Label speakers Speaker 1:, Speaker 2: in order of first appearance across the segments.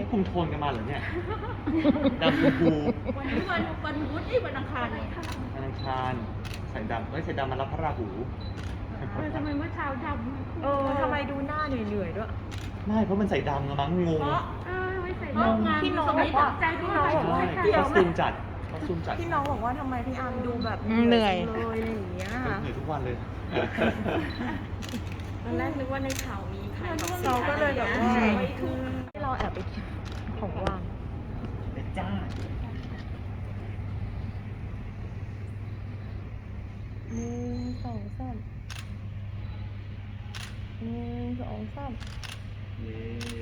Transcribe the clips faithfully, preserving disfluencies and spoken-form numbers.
Speaker 1: คุมโทนกันมาเหรอเนี่ยดำชมพู
Speaker 2: วันนี้วันวันพุธที่วันอังคารเลยค่ะ
Speaker 1: วันอังคารใส่ดำเอ้ยใส่ดำมารับพระราหู
Speaker 2: ทำไมเมื่อเช้าดำ
Speaker 3: เออทำไมดูหน้าเหนื่อยๆด้วย
Speaker 1: ไม่เพราะมันใส่ดำมั้งงง
Speaker 2: เพราะเออไม่ใส่ดำพี่น้องบอกว่าใจพี่น้องบอกว่า
Speaker 1: ใช่คอสตูมจัดคอสตูมจัด
Speaker 3: พี่น้องบอกว่าทำไมพี่อาร์มดูแบบ
Speaker 4: เหนื่อย
Speaker 3: เลยอะไรอย่างเงี้ย
Speaker 1: เหนื่อยทุกวันเลย
Speaker 2: ตอนแรกนึกว่าในข่าวมีใคร
Speaker 3: เราก็เลยแบบว่าให้เราแอบไปของว่าง
Speaker 1: เป็นจ้า
Speaker 3: หนึ่งสองสามหนึ่งสองสาม
Speaker 1: เย้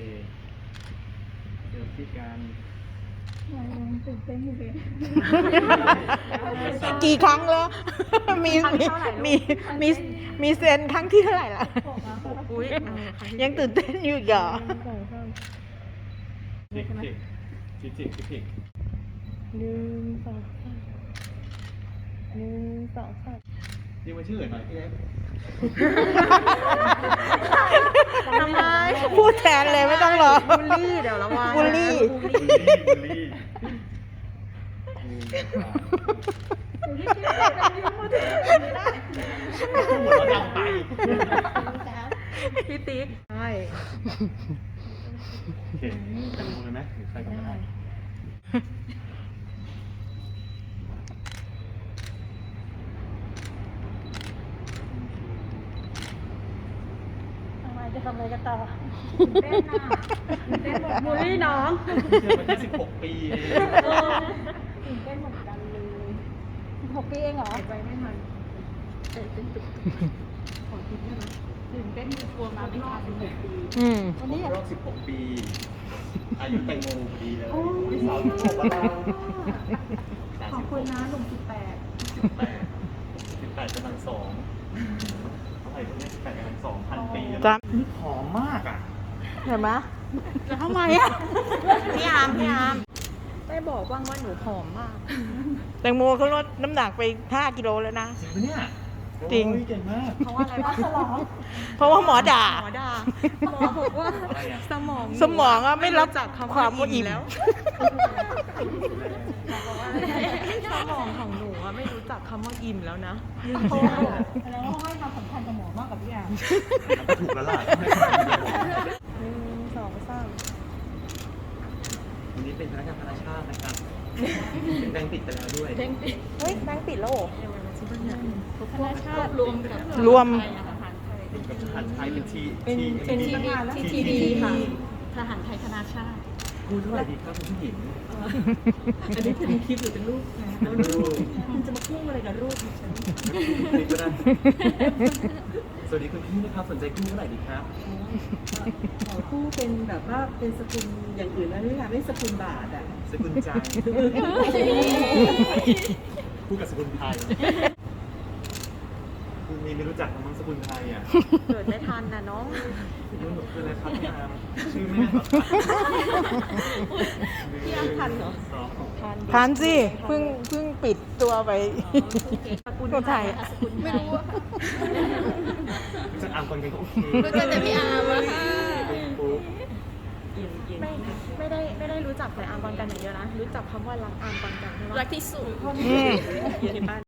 Speaker 1: เจอพี่กัน
Speaker 2: ตื่นเต้นอยู่เลย
Speaker 4: กี่ครั้งแล้วมีมีมีมีมีเซนครั้งที่เท่าไหร่ล่ะยังตื่นเต้นอยู่อีกเหรอ
Speaker 1: จิกจิกจิกจิกจิก
Speaker 3: หนึ่งสองสามหนึ่งสองสาม
Speaker 1: นี่มันชื่อหน่อยพี่เล็ก
Speaker 3: ทำไม
Speaker 4: พูดแทนเลยไม่ต้องรอ
Speaker 3: บูลลี่เดี๋ยวระวัง
Speaker 4: บูลลี่
Speaker 1: บูลลี่บูลลี่หัวเราดังไป
Speaker 3: พี่ติ๊กใช่
Speaker 1: โอเคจะดูเลยไหมหรือใครก็ได้
Speaker 2: จะทำอะไรกันต่อเต้นน่ะเต้นหมด
Speaker 3: บูลลี่น้อง
Speaker 1: เชื่อมันแค่สิบหกปี
Speaker 2: ตื่นเต้นเหมือนกันเลยสิบหกปีเองเหรอไปไม่ทันเต้นตุกของคิดใช่ไหมตื่นเต้นกลัวมาไม่ทันสิบหกปี
Speaker 4: อืม
Speaker 1: วันนี้รอบสิบหกปีอายุแตงโมพอดีเลยที่สาวสิบหกแล้ว
Speaker 2: ขอบคุณนะหนุ่มสิบแปด
Speaker 1: สิบแปดสิบแปดกำลังสองเท่าไหร่ตรงนี้สิบแปดกำลังสองพันปีแล้วนี่หอมมากอ่ะ
Speaker 4: เห็นไหม
Speaker 3: แล้วทำไมอ่ะพี่อาร์มพี่อาร์มได้บอกบ้างว่าหนูผอมมาก
Speaker 4: แตงโมเขาลดน้ำหนักไปห้ากิโลแล้วนะ
Speaker 1: จริงปะเนี่ย
Speaker 4: จริง
Speaker 1: เก่งมาก
Speaker 3: เพราะว่าอะไรวะสมอง
Speaker 4: เพราะว่าหมอด่า
Speaker 3: หมอด่าหมอบอกว่าสมอง
Speaker 4: สมองอะไม่รับจากความอิ่ม
Speaker 3: แล้วสมองของหนูอะไม่รู้จักคำว่าอิ่มแล้วนะ
Speaker 2: แล้วให้ความสำคัญกับหมอมากกับพี่อาร์ม
Speaker 1: ถูกแล้วล่ะ
Speaker 3: หนึ่งสองสาม
Speaker 1: วันนี้เป็นพนักงานธนาชาตินะครับเป็นแบงค์ปิดไปแล้วด้วย
Speaker 3: เฮ้ยแบงค์ปิดแล้วเหรอ
Speaker 2: ธนาชาติรวมกับ
Speaker 4: รวม
Speaker 1: กับทหารไทยเป็นที
Speaker 2: เป็นเป็นทีดีทีดีค่ะทหารไทยธนาชาติ
Speaker 1: พูดเท่าไหร่ดีครับคุณผู้หญิง
Speaker 2: อันนี้เป็นคลิปหรือเป็นรูปนะรูปมันจะมาพุ่งอะไรกับรูปดิฉัน
Speaker 1: นี่ก็ได้สวัสดีคุณพี่นะครับสนใจคู่เท่าไหร่ดีครับ
Speaker 2: ขอคู่เป็นแบบว่าเป็นสกุลอย่างอื่นนะนี่ค่ะไม่สกุลบาทอ่ะ
Speaker 1: สกุลใจคู่กับสกุลไทยคุณมีไม่รู้จักมั้งสกุลไทยอ่ะ
Speaker 3: เกิดไม่ทันนะน้อง
Speaker 1: นี่หนูคืออะไรครับพี่อาร์มชื่อไม่ได้หรอ
Speaker 3: พี่อาร์มทันเหรอ
Speaker 4: ทันสิเพิ่งเพิ่งปิดตัวไป
Speaker 3: สกุลไทย
Speaker 2: ไม่รู้
Speaker 1: รู้จักอาร์มคนกันก็โอเค
Speaker 2: รู้จักแต่พี่อาร์มอะค่ะ
Speaker 3: ไม่ไม่ได้ไม่ได้รู้จักแต่อาร์มบอลกันอย่างเดียวนะรู้จักคำว่ารักอาร์มบอลกันใช่ไหม
Speaker 2: รักที่สุด
Speaker 3: อยู่ในบ้าน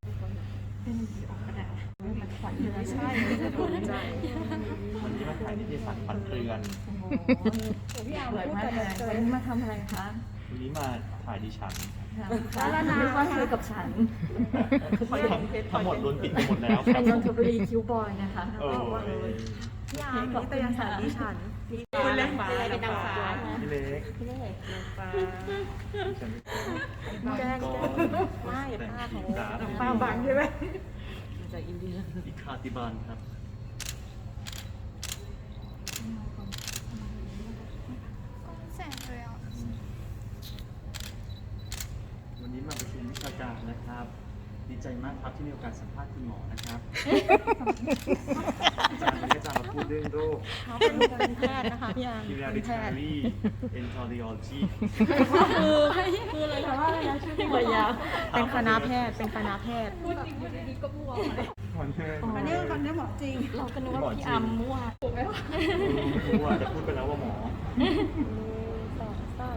Speaker 1: ใช่วันนี้มาถ่ายนิตยสารฝันเตือน
Speaker 2: พี่อาร์มพูดกันมาทำอะไรคะ
Speaker 1: วันนี้มาถ่ายดิฉัน
Speaker 2: แล้วนาก็คุยกับฉัน
Speaker 1: ทั้งหมดโดนปิดไปหมดแล้ว
Speaker 2: เป็นนนทบุรีคิวบอยนะคะ
Speaker 3: พี่อาร์มนิตยสารดิฉัน
Speaker 2: คุณเล็กฟ้าเป็นนางฟ้า
Speaker 1: พี่เล็ก
Speaker 3: พี่เล็กนางฟ้าแจ้งไม่ป้าเขาป้าบังใช่ไหม
Speaker 2: จากอินเดีย
Speaker 1: อิคาติบานครับ
Speaker 2: แสงเลยอ่ะ
Speaker 1: วันนี้มาประชุมวิชาการนะครับดีใจมากครับที่มีโอกาสสัมภาษณ์คุณหมอนะครับอาจารย์วันนี้อาจารย์มาพูดเรื่องโรค
Speaker 3: เขาเป็นแพทย์นะคะพี่อาร์
Speaker 1: Hereditary Enterology
Speaker 3: คือคืออะไรคะว่าอะไรนะชื่อที่ยาวเป็นคณะแพทย์เป็นคณะแพทย์
Speaker 2: พูดจริงอยู่ดีๆก็มั่วเลย
Speaker 3: อันนี้คำนี้หมอจริง
Speaker 2: เราก็นึกว่าพี่อาร์มมั่วถูกไหมวะ
Speaker 1: มั่วจะพูดไปแล้วว่าหมอ
Speaker 3: สองสาม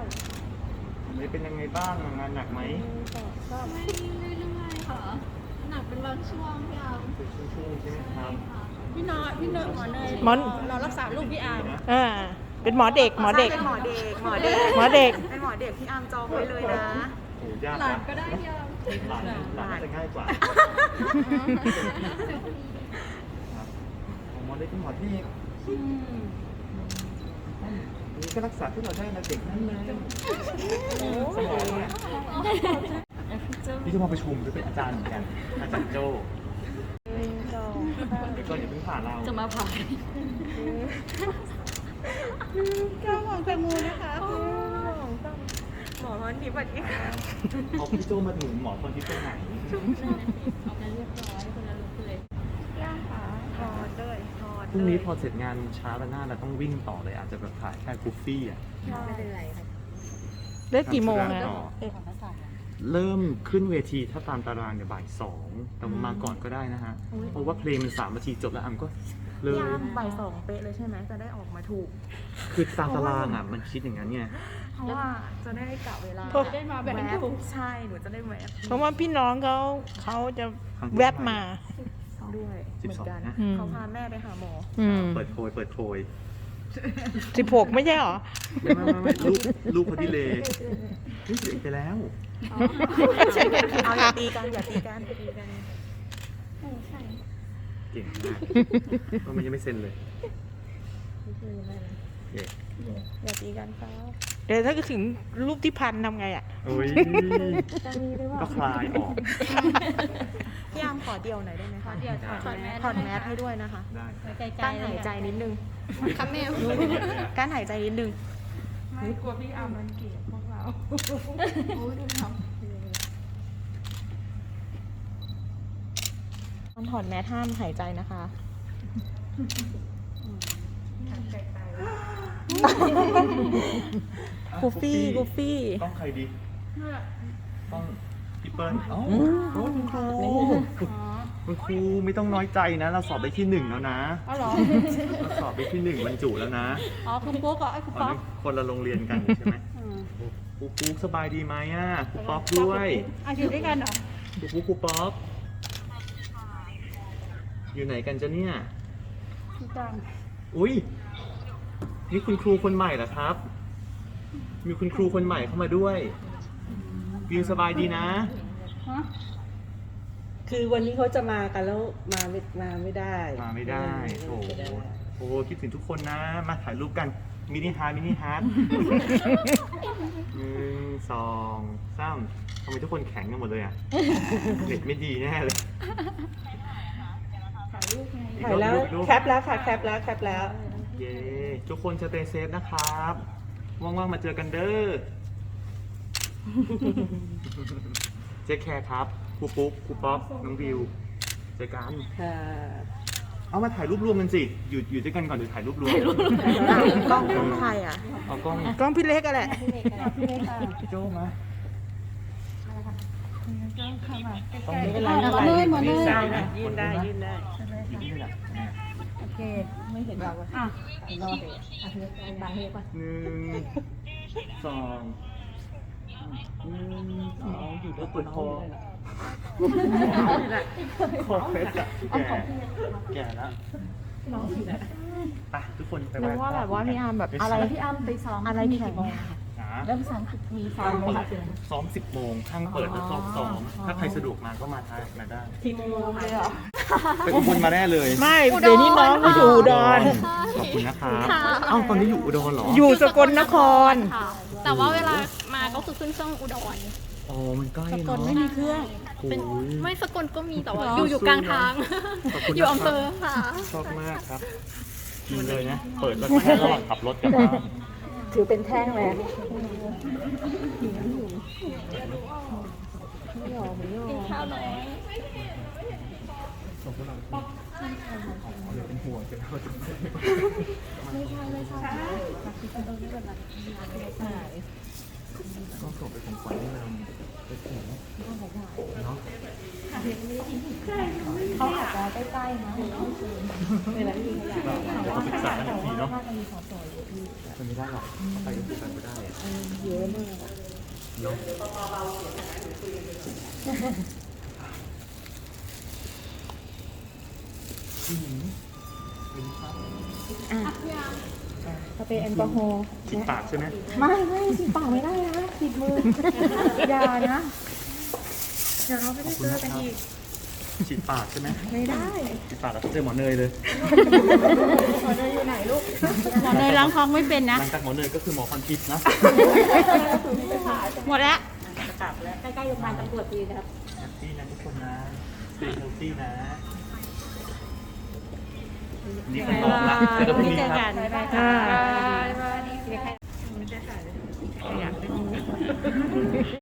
Speaker 1: ไม่เป็นยังไงบ้างงานหนักไหม
Speaker 2: ไม่เรื่อยๆค่ะ หนักเป็นบางช่วงพี่อาร์ม
Speaker 1: เป็นช่วงๆใช่ไหมครับ
Speaker 2: พี่น้อยพี่เนยหมอเนย
Speaker 4: หมอน
Speaker 2: เรารักษาลูกพี่อาร์ม
Speaker 4: อ่าเป็นหมอเด็กหมอเด็ก
Speaker 3: เป็นหมอเด็กหมอเด็ก
Speaker 4: หมอเด็ก
Speaker 3: เป็นหมอเด็กพี่อาร์มจองไว้เลยนะ
Speaker 1: โอ้ยาก
Speaker 2: หลาน
Speaker 1: นะ
Speaker 2: ก็ได้พี่อาร์ม
Speaker 1: หลานหลานจะง่ายกว่าครับหมอได้เป็นหมอที่นี่ก็รักษาที่เราได้นะเด็กนั่นเลยสมองเนี่ยพี่จะมาประชุมด้วยเป็นอาจารย์เหมือนกัน อาจารย์โจ้เดี๋ยวก่อนอย่าเพิ่งผ่านเรา
Speaker 2: จะมาผ่า
Speaker 3: เจ้าของแตงโมนะคะหมอพรทิพย์สวัสดีค่ะ
Speaker 1: เอาพี่โจ้มาถึงหมอคนที่ตรงไหน
Speaker 2: เอาไปเรียบร้อยคนละลุกเลย
Speaker 3: ย่างขาทอดเลยทอด
Speaker 1: พรุ่งนี้พอเสร็จงานเช้าแล้วหน้าเราต้องวิ่งต่อเลยอาจจะแบบถ่ายแค่กูฟฟี่อ่ะ
Speaker 3: ไม่เป็นไรค่ะ
Speaker 4: เลิกกี่โมงนะ
Speaker 1: ต่อเริ่มขึ้นเวทีถ้าตามตารางเนี่ยบ่ายสองแต่มาก่อนก็ได้นะฮะ เพราะว่าเพลงมันสามนาทีจบแล้วอัมก็เริ่ม
Speaker 3: ย่างบ่ายสองเป๊ะเลยใช่ไหมจะได้ออกมาถูก
Speaker 1: คือตามตารางอ่ะมันคิดอย่างนั้นไง
Speaker 3: เพราะว่าจะได้กะเวลา
Speaker 2: ได้มาแบบ
Speaker 3: แวะ
Speaker 2: ถูก
Speaker 3: ใช่หนูจะได้แวะ
Speaker 4: เพราะว่าพี่น้องเขาเขาจะแวบมา
Speaker 3: ด้วยเหมือนกัน
Speaker 4: อืม
Speaker 3: เขาพาแม่ไปหาหมอ
Speaker 4: อืม
Speaker 1: เปิดโพยเปิดโพย
Speaker 4: สิบหกไม่ใช่หรอ
Speaker 1: ไม่ไม่ไม่ไม่ลูกลูกเขาดีเลยนี่เสียไปแล้ว
Speaker 3: เอาอย่าตีกันอย่าตีกันอย่าตีกัน
Speaker 1: เก่งมากก็มันยังไม่เซ็นเลยเย้
Speaker 3: อย่าตีกันครับ
Speaker 4: เดี๋ยวถ้าถึงรูปที่พันทำไงอ่ะ
Speaker 1: โอ้ยก็คลายออก
Speaker 3: พี่อาร์มขอเดียวหน่อยได้ไหมคะ
Speaker 2: เดี๋ยวถอดแมส
Speaker 3: ถอดแมสให้ด้วยนะคะ
Speaker 1: ได้
Speaker 2: ไกลๆ
Speaker 3: กั้นหายใจนิดนึง
Speaker 2: ค่ะแม่
Speaker 3: กั้นหายใจนิดนึง
Speaker 2: ไม่กลัวพี่อาร์มมันเกลียดพวกเราโอ้ยดูทำ
Speaker 3: ตอนถอดแมสห้ามหายใจนะคะ กูฟี่กูฟี่
Speaker 1: ต้องใครดีต้องพี่เปิ้ลอ๋อโอ้คุณครูคุณครูไม่ต้องน้อยใจนะ เราสอบไปที่หนึ่งแล้วนะ
Speaker 2: อ๋อเหรอ
Speaker 1: เราสอบไปที่หนึ่งบรรจุแล้วนะ
Speaker 2: อ๋อคุณปุ๊กเหรอไอ้คุณ
Speaker 1: ตอน
Speaker 2: ป๊อก
Speaker 1: นี้คนละโรงเรียนกันใช่ไหมครูปุ๊กสบายดีไหมอ่ะครูป๊อกด้วย
Speaker 2: อ่ะอยู่ด้วยกันเหรอ
Speaker 1: ครูปุ๊กครูป๊อกอยู่ไหนกันจ๊ะเนี่ย
Speaker 2: พี่จัง
Speaker 1: อุ้ยนี่คุณครูคนใหม่เหรอครับ มีคุณครูคนใหม่เข้ามาด้วยวิวสบายดีนะ
Speaker 2: ฮะ
Speaker 5: คือวันนี้เขาจะมากันแล้วมาไม่มาไม่ได้
Speaker 1: มาไม่ได้โอ้โหโอ้โหคิดถึงทุกคนนะ มาถ่ายรูปกัน มินิฮาร์ดมินิฮาร์ดหนึ่งสองสามทำไมทุกคนแข็งกันหมดเลยอ่ะ เด็กไม่ดีแน่เลย
Speaker 2: ถ่ายรูปไง
Speaker 1: อีก
Speaker 5: ถ่ายแล้ว
Speaker 1: รูปรูป
Speaker 5: แคปแล้วค่ะแคปแล้วแคปแล้ว
Speaker 1: เย้ทุกคนสเตย์เซฟนะครับ ว่างๆมาเจอกันเด้อ เจ๊แคร์ครับครูปุ๊กครูป๊อกน้องวิวเจอกัน
Speaker 5: ค่ะ
Speaker 1: เอามาถ่ายรูปรวมกันสิ อยู่อยู่ด้วยกันก่อนเดี๋ยวถ่ายรูปรวม
Speaker 3: กล้องกล้องใครอ่ะ
Speaker 1: เอากล้อง
Speaker 4: กล้องพี่เล็กอะแหละ
Speaker 1: พี่โจ้มา
Speaker 5: ไม่เป็นไร
Speaker 2: หมอเนยหมอเนย
Speaker 5: ได้นะยื่นได้ยื่นได้
Speaker 1: นี่แหละ
Speaker 2: โอเค ไม่เห็นเราอ่ะอ่ะรอเถอะอ่ะเถอะบางเฮปะ
Speaker 1: หนึ่งสองหนึ่งสองอยู่ด้วยเปิดคอคอเพชรอะแก่แก่แล้วไปทุกคนไป
Speaker 3: นึกว่าแบบว่าพี่อาร์มแบบอะไร
Speaker 2: พี่อ้ำไปซ้อม
Speaker 3: อะไร
Speaker 2: มี
Speaker 3: แข็
Speaker 2: กี่
Speaker 3: ง
Speaker 2: โมง
Speaker 1: นะ
Speaker 2: เริ่มซ้อมมีซ้อ
Speaker 1: ห้าม ง
Speaker 2: ไหม
Speaker 1: เปิด
Speaker 2: คะ
Speaker 1: ซ้อมสิบโมงห้างเปิดแล้วซ้อมสองถ้าใครสะดวกมาก็มาทายมาได้
Speaker 5: ทีโมงเลยเหรอ
Speaker 1: ไปอุบลมาแน่เลย
Speaker 4: ไม่เดี๋ยวนี้น้องก็อยู่อุดร
Speaker 1: ขอบคุณนะครับเอ้าตอนนี้อยู่อุดรเหรอ
Speaker 4: อยู่สกลนคร
Speaker 2: ค่ะ แต่ว่าเวลามาก็คือขึ้นเครื่องอุดร
Speaker 1: อ๋อมันใกล้
Speaker 2: สก
Speaker 1: เนาะ
Speaker 2: ลไม่มีเครื่อง
Speaker 1: โอ้
Speaker 2: เป็น
Speaker 1: ย
Speaker 2: ไม่สกลก็มีแต่ว่าอยู่อยู่กลางทาง
Speaker 1: ขอบคุณนะครับ
Speaker 2: อยู่อำเภอค่ะ
Speaker 1: ชอบมากครับกินเลยนะ เปิดรถมาให้ระหว่างขับรถกลับบ้าน
Speaker 5: ถือเป็นแท่งแล้ว
Speaker 2: กินข้าวน้อย
Speaker 1: เป็นห่วงเป็นห่วงก็ส่งไปของขวัญให้เราไปถึงเนาะ
Speaker 2: เขาอาจจะใกล้ๆนะเวลาที่เขาอยาก
Speaker 1: เดี๋ยวเราปรึกษากันอีกทีเนาะ
Speaker 2: น่าจะมีสอสออยู่ที่
Speaker 1: มันไม่ได้หรอกไปก็คือไปไม่ได้อะ
Speaker 2: เยอะมาก
Speaker 1: เนาะอืมเป็นครับ
Speaker 2: สเปรย์แอลกอฮอล์
Speaker 1: ฉีดปากใช่ไหม
Speaker 2: ไม่ไม่ติดปากไม่ได้นะติดมือ อย่านะ เดี๋ยวเราไม่ได้เจอกันอีก
Speaker 1: ฉีดปากใช่ไหม
Speaker 2: ไม่ได้
Speaker 1: ฉีดปากแล้วเจอหมอเนยเลย
Speaker 2: หมอเนยอยู่ไหนลูก
Speaker 4: หมอเนยล้างท้องไม่เป็นนะ
Speaker 1: หลังจากหมอเนยก็คือหมอพันทิพย์นะ
Speaker 4: หมดแล้ว
Speaker 2: ใกล้ๆโรงพยาบาลตำรวจดีนะครับ
Speaker 1: แฮปปี้นะทุกคนนะสเตย์เฮลตี้นะ นี่คือน้องละเจอกันพรุ่งนี้ครับ
Speaker 4: บ๊ายบายค่ะ
Speaker 2: บ๊ายบาย